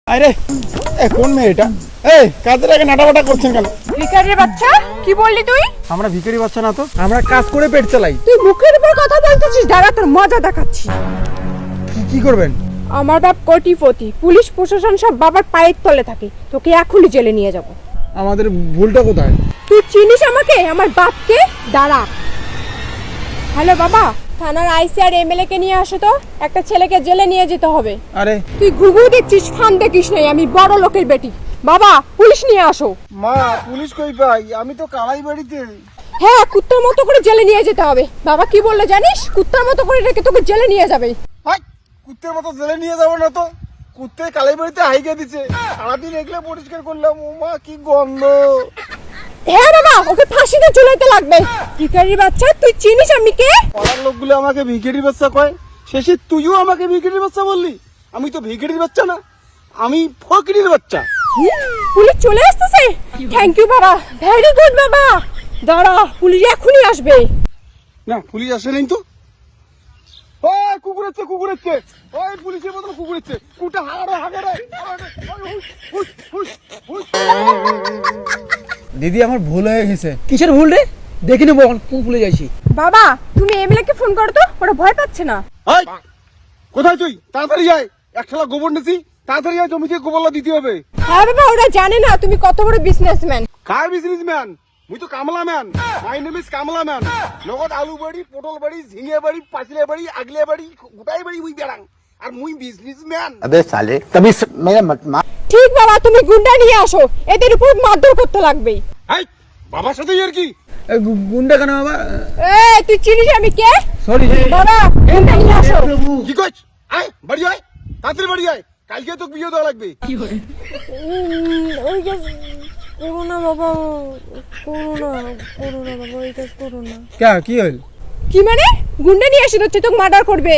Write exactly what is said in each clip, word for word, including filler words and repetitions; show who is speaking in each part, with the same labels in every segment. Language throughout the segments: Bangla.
Speaker 1: আরে এ কোন মেয়েটা? এই কাজের আগে নাটাবাটা করছেন কেন?
Speaker 2: ভিখারির বাচ্চা, কি বললি তুই?
Speaker 1: আমরা ভিখারি বাচ্চা না তো, আমরা কাজ করে পেট চালাই।
Speaker 2: তুই মুখের উপর কথা বলতেছিস, দাঁড়া তোর মজা দেখাচ্ছি।
Speaker 1: কি কি করবেন?
Speaker 2: আমার বাপ কোটিপতি, পুলিশ প্রশাসন সব বাবার পায়ের তলে থাকে, তোকে এখনই জেলে নিয়ে যাব।
Speaker 1: আমাদের ভুলটা কোথায়?
Speaker 2: তুই চিনিস আমাকে, আমার বাপকে? দাঁড়া। হ্যালো বাবা, থানার আইসি আর এমএলএ কে নিয়ে আসো তো, একটা ছেলেকে জেলে নিয়ে যেতে হবে।
Speaker 1: আরে
Speaker 2: তুই ঘুঘু দেখছিস, ফান দেখিস নাই, আমি বড় লোকের বেটি। বাবা, পুলিশ নিয়ে আসো।
Speaker 1: মা, পুলিশ কই পাই? আমি তো কালাই বাড়িতে।
Speaker 2: হ্যাঁ, কুত্তার মতো করে জেলে নিয়ে যেতে হবে। বাবা কি বললো জানিস? কুত্তার মতো করে রেখে তোকে জেলে নিয়ে যাবে।
Speaker 1: হাই, কুত্তের মতো জেলে নিয়ে যাবো না তো, কুত্তে কালাই বাড়িতে হাইকে দিছে, সারাদিন এগুলো পরিষ্কার করলাম। ও মা, কি গন্ধ!
Speaker 2: হ্যাঁ বাবা, ওকে ফাঁসিতে ঝুলাইতে লাগবে। ভিখারির বাচ্চা, তুই চিনিস আমি কে?
Speaker 1: পাড়ার লোকগুলো আমাকে ভিখারির বাচ্চা কয়, শেষে তুইও আমাকে ভিখারির বাচ্চা বললি। আমি তো ভিখারির বাচ্চা না, আমি ফকিরের বাচ্চা।
Speaker 2: পুলিশ চলে আসতেছে। থ্যাংক ইউ বাবা, ভেরি গুড বাবা। দাঁড়া, পুলিশ এখনই আসবে।
Speaker 1: না, পুলিশ আসে নাই তো। ওই কুকুর হচ্ছে, কুকুর হচ্ছে, ওই পুলিশের মতন কুকুর হচ্ছে, কুটা হাগারে হাগারে। দিদি, আমার ভুল হয়ে গেছে।
Speaker 3: কিসের ভুল রে? দেখে নেবো কোন ভুলে যাইছি।
Speaker 2: বাবা, তুমি এমএলএ কে ফোন করো তো, ওরা ভয় পাচ্ছে না।
Speaker 1: এই, কোথায় তুই? তাড়াতাড়ি আয়, এক শালা গোবর নেছি, তাড়াতাড়ি আয়, জমিতে গোবরলা দিতে হবে।
Speaker 2: হ্যাঁ বাবা, ওরা জানে না তুমি কত বড় বিজনেসম্যান।
Speaker 1: কার বিজনেসম্যান? মুই তো কামলা ম্যান। মাই নেম ইজ কামলা ম্যান। লগত আলু বাড়ি, পটল বাড়ি, ঝিঙে বাড়ি, পাঁচলে বাড়ি, আগলে বাড়ি, গোটাই বাড়ি মুই বেড়াং। আর মুই বিজনেসম্যান।
Speaker 4: अबे साले तभी स... मेरा मत मार।
Speaker 2: ঠিক বাবা, তুমি গুন্ডা নিয়ে আসো, এদের উপর মারধর করতে লাগবে।
Speaker 1: এই, বাবার সাথে আর কি?
Speaker 3: গুন্ডা কেন বাবা?
Speaker 2: এই, তুই চিনিস আমি কে?
Speaker 3: সরি
Speaker 2: বাবা, গুন্ডা নিয়ে আসো।
Speaker 1: কি কইছ? আয়, বাড়ি আয়, তাড়াতাড়ি বাড়ি আয়, কালকে তো বিয়ে দেওয়া লাগবে।
Speaker 2: ওই যে করো না বাবা, করো না, করো না বাবা, ওই কাজ করো না।
Speaker 3: কে কি হইল?
Speaker 2: কি মানে? গুন্ডা নিয়ে এসে তো তোকে মার্ডার করবে।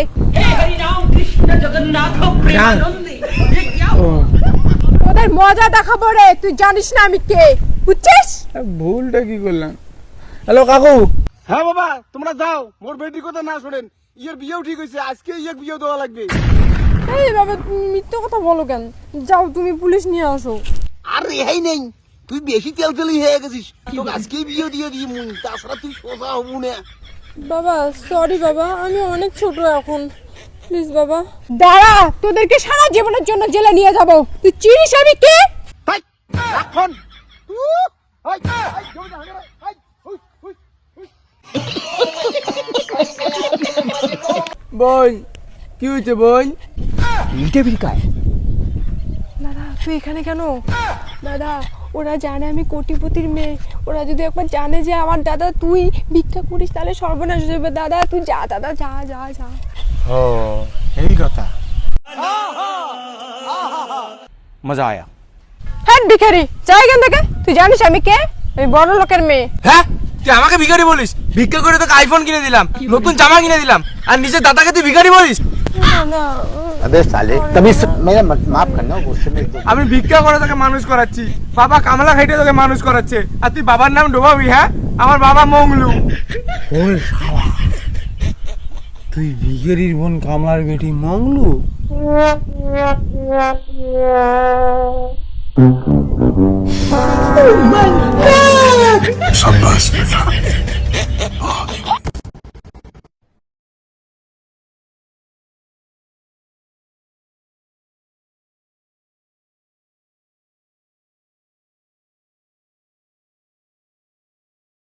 Speaker 2: ওদের মজা দেখাবো রে, তুই জানিস না আমি কে, বুঝছিস?
Speaker 3: ভুলটা কি করলাম? হ্যালো কাকু।
Speaker 1: হ্যাঁ বাবা, তোমরা যাও, মোর বেটির কথা না শোনেন। ইয়ের বিয়েও ঠিক হয়েছে, আজকে ইয়ে বিয়ে দেওয়া লাগবে।
Speaker 2: এই বাবা, তুমি মিথ্যে কথা বলো কেন? যাও, তুমি পুলিশ নিয়ে আসো।
Speaker 1: আর রেহাই নেই, তুই বেশি তেল তেলি হয়ে গেছিস, তোকে আজকেই বিয়ে দিয়ে দিই মুই, তাছাড়া তুই সোজা হবু না।
Speaker 2: বাবা সরি বাবা, আমি অনেক ছোট এখন, প্লিজ বাবা। দাঁড়া, তোদেরকে সারা জীবনের জন্য জেলে নিয়ে যাব। তুই চিনিস আমি কে?
Speaker 1: হাই, রাখন। উহ, হাই, হাই, জমিতে হাগারে, হাই, হুই, হুই, হুই।
Speaker 3: বোন, কি হয়েছে বোন? ইটে বিকায়।
Speaker 2: দাদা, তুই এখানে কেন? দাদা, ওরা জানে আমি কোটিপতির মেয়ে, ওরা যদি একবার জানে যে আমার দাদা তুই ভিক্ষা করিস, তাহলে সর্বনাশ হয়ে যাবে। দাদা তুই যা, দাদা যা যা যা।
Speaker 1: ও, এই কথা।
Speaker 4: मजा आया।
Speaker 2: হ্যাঁ ভিখারি, যা এখান থেকে। তুই জানিস আমি কে? আমি বড় লোকের মেয়ে।
Speaker 3: হ্যাঁ, তুই আমাকে ভিখারি বলিস? ভিক্ষা করে তোকে আইফোন কিনে দিলাম, নতুন জামা কিনে দিলাম, আর নিজের দাদাকে তুই ভিখারি বলিস?
Speaker 2: না না,
Speaker 4: अबे साले तभी स... मेरा मत माफ करना, गुस्से में एकदम।
Speaker 3: আমি ভিক্ষা করে তোকে মানুষ করাচ্ছি, বাবা কামলা খাইতে তোকে মানুষ করাচ্ছে, আর তুই বাবার নাম ডোবাবি? হ্যাঁ, আমার বাবা মংলু।
Speaker 1: ওরে শালা, তুই ভিখারির বোন কামলার বেটি মংলু?
Speaker 5: शाबाश बेटा।